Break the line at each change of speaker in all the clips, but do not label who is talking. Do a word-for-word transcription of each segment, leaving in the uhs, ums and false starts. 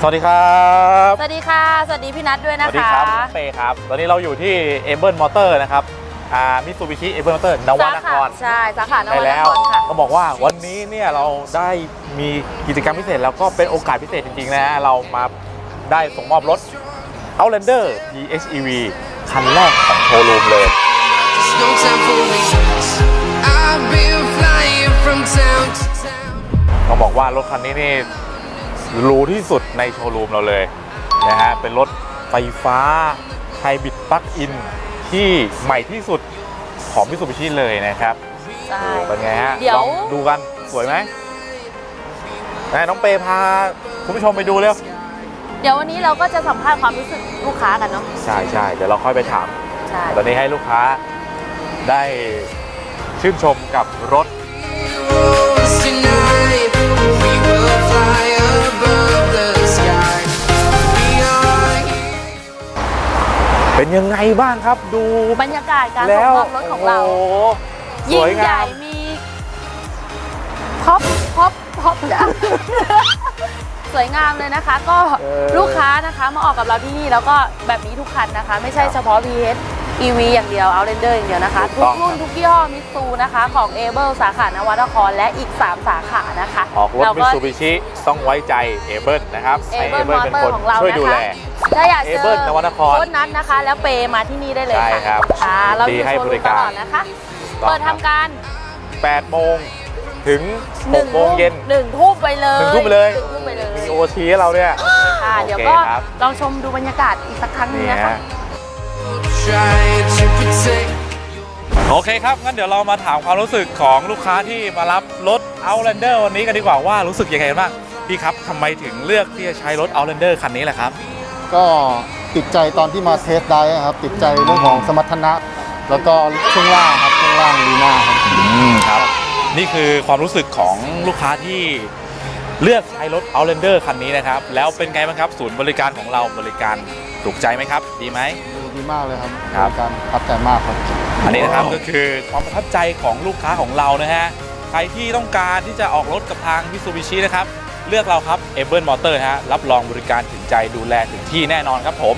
สวัสดีครับ
สวัสดีค่ะสวัสดีพี่นัทด้วยนะคะ
สวัสดีครับเป้ครับตอนนี้เราอยู่ที่เอเบิลมอเตอร์นะครับอ่ามิตซูบิชิเอเบิลมอเตอร์นวนคร
ใช่สาขานวน
แล้
คว รค่ะ
ก็บอกว่าวันนี้เนี่ยเราได้มีกิจกรรมพิเศษแล้วก็เป็นโอกาสพิเศษจริงๆนะฮะเรามาได้ส่งมอบรถ Outlander พี เอช อี วี คันแรกของโชว์รูมเลยต้องบอกว่ารถคันนี้นี่หรูที่สุดในโชว์รูมเราเลยนะฮะเป็นรถไฟฟ้าไฮบริดปลั๊กอินที่ใหม่ที่สุดของมิตซูบิชิเลยนะครับใช่เป็นไงฮะลองดูกันสวยไหมน้องเปพาคุณผู้ชมไปดูเร็ว
เดี๋ยววันนี้เราก็จะสัมภาษณ์ความรู้สึกลูกค้ากันเนาะ
ใช่ใช่เดี๋ยวเราค่อยไปถาม
ใช่
ตอนนี้ให้ลูกค้าได้ชื่นชมกับรถเป็นยังไงบ้างครับดู
บรรยากาศการส่งมอบรถของเรายิ่งใหญ่มีพ็อปพ็อปพ็อปจ้ะสวยงามเลยนะคะก็ลูกค้านะคะมาออกกับเราที่นี่แล้วก็แบบนี้ทุกคันนะคะไม่ใช่เฉพาะ พี เอช อี วี อย่างเดียว Outlander อย่างเดียวนะคะทุกรุ่นทุกยี่ห้อมิตซูนะคะของ เอเบิล สาขานวนครและอีกสามสาขานะคะ
ออกรถมิตซูบิชิต้องไว้ใจ เอเบิล นะครับ
เอเบิลเป็นคน
ช่วยดูแล
ถ้าอยากเจอ
นวนคร
โค้ชนัทนะคะแล้วเปมาที่นี่ได้เลยค่ะ
ใช่ครับ
เราอยู่โชว์รูมตลอดนะคะเปิดทำการ
แปดโมงถึงหกโมงเย็น
หนึ่งทุ่มไปเลย
หนึ่งทุ่มไปเลยมีโอทีให้เราเนี่ย
ค่ะเดี๋ยวก็ลองชมดูบรรยากาศอีกสักครั้งนึงนะคะ
โอเคครับงั้นเดี๋ยวเรามาถามความรู้สึกของลูกค้าที่มารับรถ Outlander วันนี้กันดีกว่าว่ารู้สึกยังไงบ้างพี่ครับทำไมถึงเลือกที่จะใช้รถ Outlander คันนี้แหละครับ
ก็ติดใจตอนที่มาเทสได้ครับติดใจเรื่องของสมรรถนะแล้วก็ช่วงล่างครับช่วงล่างดีมากครับ
อืมครับนี่คือความรู้สึกของลูกค้าที่เลือกใช้รถ Outlander คันนี้นะครับแล้วเป็นไงบ้างครับศูนย์บริการของเราบริการถูกใจไหมครับดีไหม
ดีมากเลยครับ
ครับ
การประทับใจมากครับ
อันนี้นะครับก็คือความประทับใจของลูกค้าของเรานะฮะใครที่ต้องการที่จะออกรถกับทาง Mitsubishi นะครับเลือกเราครับ เอเบิล Motor ฮะรับรองบริการถึงใจดูแลถึงที่แน่นอนครับผม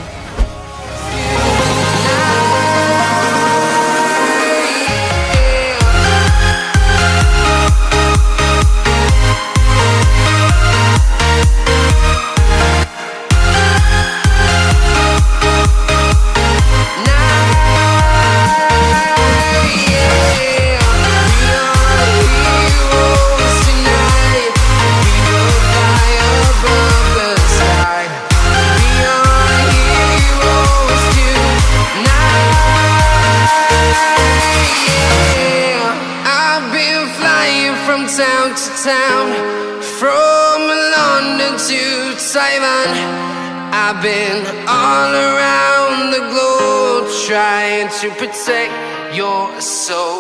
town to town, from London to Taiwan. I've been all around the globe trying to protect your soul.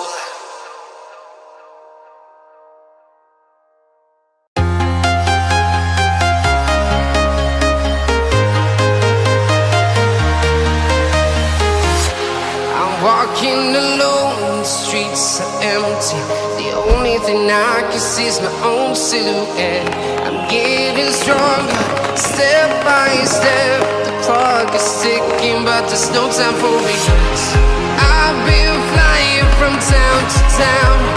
I'm walking alone, the streets are empty. The only thing I can see is my own silhouette. I'm getting stronger, step by step. The clock is ticking, but there's no time for regrets. I've been flying from town to town.